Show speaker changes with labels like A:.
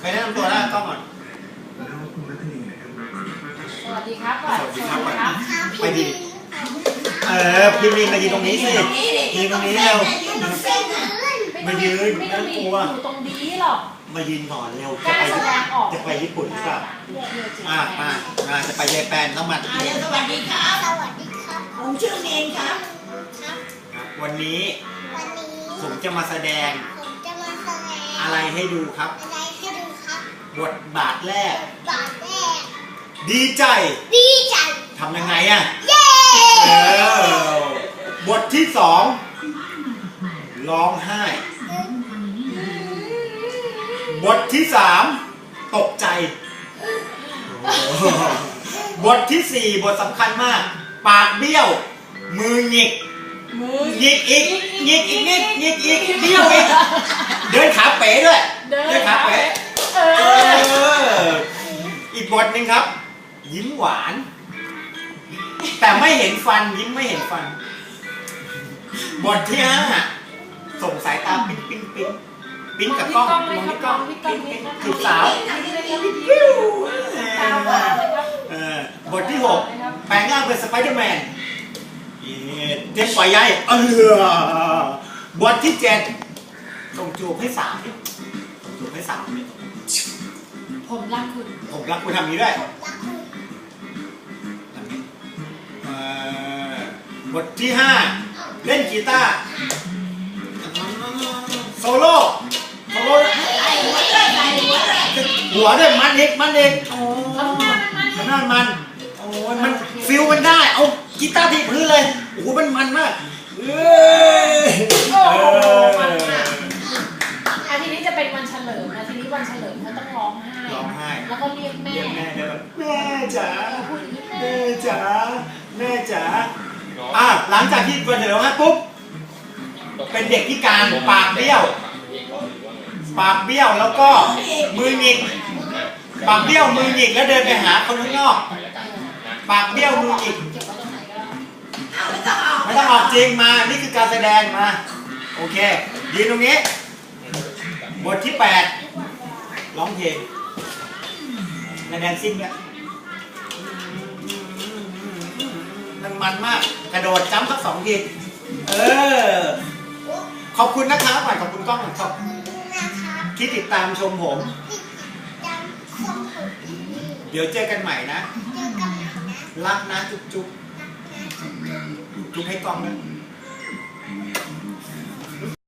A: ไปแนะนำตัวแล้วกล้องก่อน
B: สวัสดีครับก่อนสวัสดีครับ
A: ไปดิพี่ลินมายืนตรงนี้สิยืนตรงนี้เร็วมายืนไม่ต้องกลัว
B: อยู่ตรงนี้หรอก
A: มายืนก่อนเร็วจะไปญี่ปุ่นหรือเปล่ามาจะไปเยแปนต้องมา
C: สวัสดีครับสวัสดีครับผมชื่อเมนครับ
A: วันนี้ผมจะมาแสดงอะไรให้ดูครับบทบาทแรกดีใจทำยังไงอ่ะบทที่สองร้องไห้บทที่สามตกใจบทที่สี่บทสำคัญมากปากเบี้ยวมือหงิกอีกเบี้ยวอีกเดินขาเป๋ด้วยเดินขาเป๋อีกบทหนึ่งครับยิ้มหวานแต่ไม่เห็นฟันยิ้มไม่เห็นฟันบทที่ห้าส่งสายตาปิ้งกับกล้องมองที่กล้องจีบสาวบทที่หกแปลงร่างเป็นสไปเดอร์แมนเจ็บปล่อยใยบทที่เจ็ดส่งจูบให้สามจูบให้สาม
B: ผมรักคุณ
A: ทำนี้ด้วยบทที่ห้าเล่นกีตาร์โซโล่หัวด้วยมันเองทำหน้ามันโอ้ยมันฟิลมันได้เอากีตาร์ที่พื้นเลยโอ้โหมันมาก
B: อาทิตย์นี้จะเป็นวันเฉลิมอาทิตย์นี้วันเฉลิมเขาต้องร้องไห้แล้วก็เรียกแม่
A: แม่จ๋าหลังจากที่วันเฉลิมปุ๊บเป็นเด็กพิการปากเบี้ยวแล้วก็มือหงิกปากเบี้ยวมือหงิกแล้วเดินไปหาคนข้างนอกปากเบี้ยวมือหงิกไม่ต้องออกจริงมานี่คือการแสดงมาโอเคยืนตรงนี้บทที่8ร้องเพลงแดนซิ่งเนี่ยมันมากกระโดดจ้ำสัก2 ทีขอบคุณนะครับขอบคุณกล้องครับที่ติดตามชมผมเดี๋ยวเจอกันใหม่นะรักนะจุ๊บให้กล้องนะ